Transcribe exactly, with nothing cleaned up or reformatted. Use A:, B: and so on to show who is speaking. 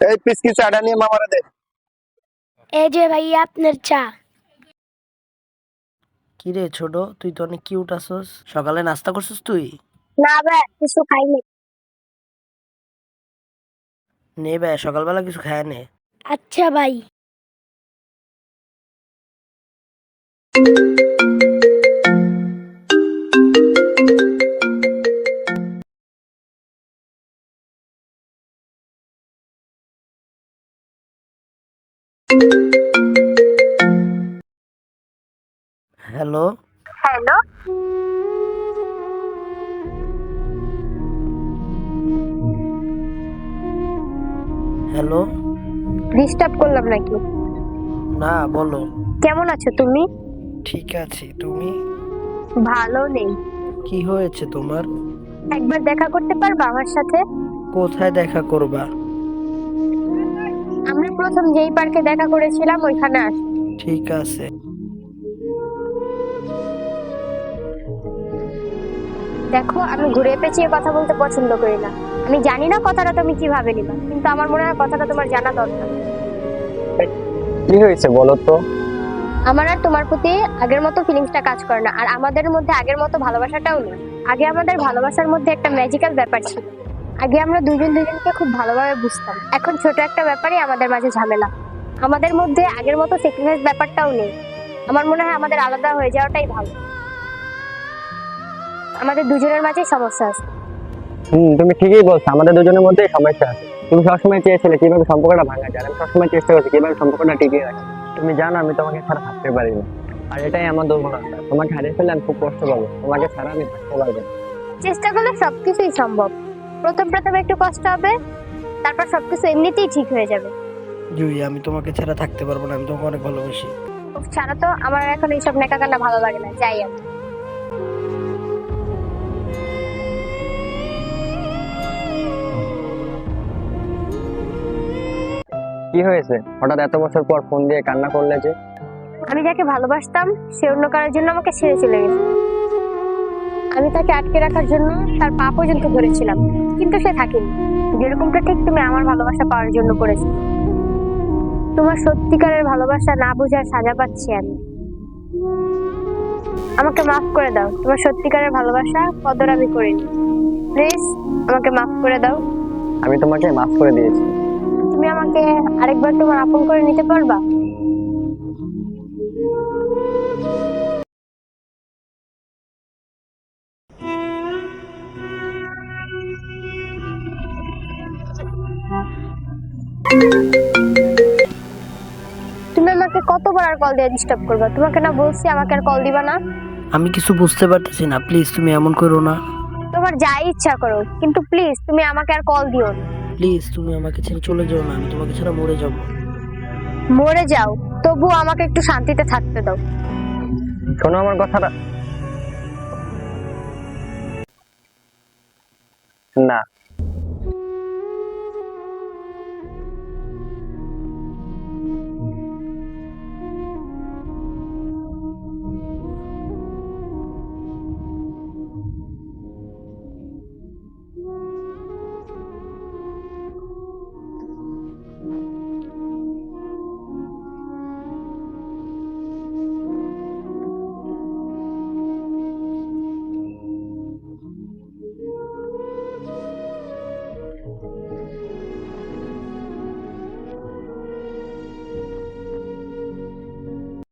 A: এই পিসকি চাটা নিয়ে মামারে দে।
B: এই যে ভাইয়া আপনার চা।
C: কি রে ছোট, তুই তো অনেক কিউট আছস। সকালে নাস্তা করছিস তুই?
B: না ভাই কিছু খাইনি।
C: নে ভাই, সকালবেলা কিছু খায় নে।
B: আচ্ছা ভাই।
C: হ্যালো।
B: হ্যালো।
C: হ্যালো।
B: ডিস্টার্ব করলাম নাকি?
C: না, বলো।
B: কেমন আছো তুমি?
C: ঠিক আছি, তুমি?
B: ভালো নেই।
C: কি হয়েছে তোমার?
B: একবার দেখা করতে পারবা আমার সাথে?
C: কোথায় দেখা করবা?
B: আমরা প্রথম যেই পার্কে দেখা করেছিলাম ওইখানে আস।
C: ঠিক আছে।
B: দেখো আমি ঘুরে পেঁচিয়ে কথা বলতে পছন্দ করি না। আমি জানি না কথাটা তুমি কিভাবে নিবা, কিন্তু আমার মনে হয় কথাটা তোমার জানা দরকার।
A: কি হয়েছে বলো তো?
B: আমার আর তোমার প্রতি আগের মতো ফিলিংসটা কাজ করে না, আর আমাদের মধ্যে আগের মতো ভালোবাসাটাও নেই। আগে আমাদের ভালোবাসার মধ্যে একটা ম্যাজিক্যাল ব্যাপার ছিল। আগে আমরা দুজন দুজনকে খুব ভালোভাবে বুঝতাম। এখন ছোট একটা ব্যাপারই আমাদের মাঝে ঝামেলা। আমাদের মধ্যে আগের মতো স্যাক্রিফাইস ব্যাপারটাও নেই। আমার মনে হয় আমাদের আলাদা হয়ে যাওয়াটাই ভালো। আমাদের দুজনের মাঝে সমস্যা আছে।
A: হুম, তুমি ঠিকই বলছো, আমাদের দুজনের মধ্যে সমস্যা আছে। তুমি সবসময় চেয়েছিলে কিভাবে সম্পর্কটা ভাঙা যায়, আমি সবসময় চেষ্টা করছি কিভাবে সম্পর্কটা টিকিয়ে রাখি। তুমি জানো আমি তোমাকে ছাড়া থাকতে পারি না, আর এটাই আমার দুর্বলতা। তোমাকে হারিয়ে ফেললে আমি খুব কষ্ট পাবো, তোমাকে ছাড়া আমি থাকতে পারবো না।
B: চেষ্টা করলে সবকিছুই সম্ভব। প্রথম প্রথম একটু কষ্ট হবে, তারপর সবকিছু এমনিতেই ঠিক হয়ে যাবে।
C: জুই, আমি তোমাকে ছাড়া থাকতে পারবো না, আমি তোমাকে অনেক ভালোবাসি।
B: উফ, ছাড়া তো, আমার এখন এইসব নেকা কান্না ভালো লাগে না, যাই আমি।
A: কি হয়েছে হঠাৎ এত বছর পর ফোন দিয়ে কান্না করলে যে?
B: আমি যাকে ভালোবাসতাম সে অন্য কারোর জন্য আমাকে ছেড়ে চলে গেছে। আমি তাকে আটকে রাখার জন্য তার পা পর্যন্ত ধরেছিলাম, কিন্তু সে থাকেনি। যেরকমটা ঠিক তুমি আমার ভালোবাসা পাওয়ার জন্য করেছো। তোমার সত্যিকারের ভালোবাসা না বোঝার সাজা পাচ্ছি আমি। আমাকে মাফ করে দাও, তোমার সত্যিকারের ভালোবাসা কদর আমি করিনি। প্লিজ আমাকে মাফ করে দাও।
A: আমি তোমাকে মাফ করে দিয়েছি।
B: তুমি আমাকে আরেকবার তোমার আপন করে নিতে পারবা? তুমি আমাকে কতবার আর কল দিয়ে ডিস্টার্ব করবা? তোমাকে না বলছি আমাকে আর কল দিবা না?
C: আমি কিছু বুঝতে পারতেছি না, প্লিজ তুমি এমন করো না।
B: তোমার যাই ইচ্ছা করো, কিন্তু প্লিজ তুমি আমাকে আর কল দিও না।
C: প্লিজ তুমি আমাকে ছেড়ে চলে যাও না, আমি তোমাকে ছাড়া মরে যাব।
B: মরে যাও, তবু আমাকে একটু শান্তিতে থাকতে দাও।
A: শোনো আমার কথাটা। না,